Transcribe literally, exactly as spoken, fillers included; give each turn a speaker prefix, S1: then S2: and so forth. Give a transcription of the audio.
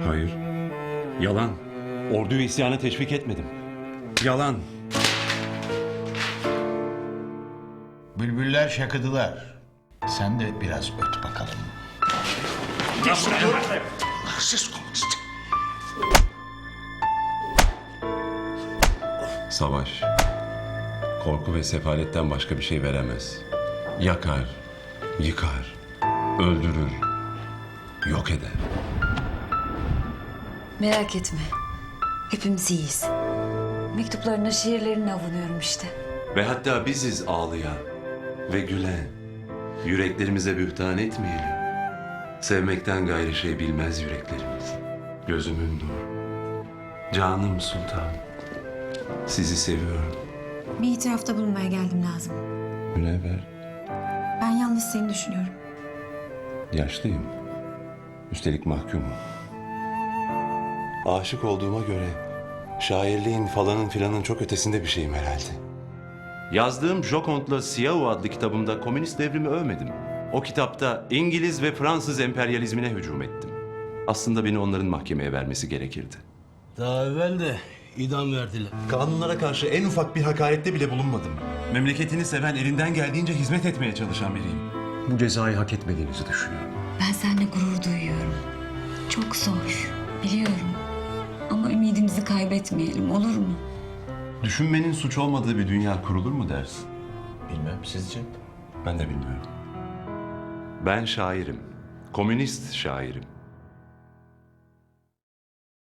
S1: Hayır. Yalan. Orduyu isyana teşvik etmedim. Yalan.
S2: Bülbüller şakıdılar. Sen de biraz öt bakalım.
S3: Siz komünist.
S1: Savaş, korku ve sefaletten başka bir şey veremez. Yakar, yıkar, öldürür, yok eder.
S4: Merak etme. Hepimiz iyiyiz. Mektuplarına, şiirlerine avunuyorum işte.
S5: Ve hatta biziz ağlayan ve gülen. Yüreklerimize bühtan etmeyelim. Sevmekten gayrı şey bilmez yüreklerimiz. Gözümün nuru. Canım sultan. Sizi seviyorum.
S6: Bir itirafta bulunmaya geldim lazım.
S5: Münevver,
S6: Ben yalnız seni düşünüyorum.
S5: yaşlıyım. Üstelik mahkumum. Aşık olduğuma göre şairliğin falanın filanın çok ötesinde bir şeyim herhalde. Yazdığım Joconde'la Siyahu adlı kitabımda komünist devrimi övmedim. O kitapta İngiliz ve Fransız emperyalizmine hücum ettim. Aslında beni onların mahkemeye vermesi gerekirdi.
S7: Daha evvel de idam verdiler.
S8: Kanunlara karşı en ufak bir hakarette bile bulunmadım. Memleketini seven, elinden geldiğince hizmet etmeye çalışan biriyim.
S1: Bu cezayı hak etmediğinizi düşünüyorum.
S4: Ben seninle gurur duyuyorum. Çok zor, biliyorum. Ama ümidimizi kaybetmeyelim, olur mu?
S5: Düşünmenin suç olmadığı bir dünya kurulur mu dersin?
S8: Bilmem, sizce?
S5: Ben de bilmiyorum. Ben şairim. Komünist şairim.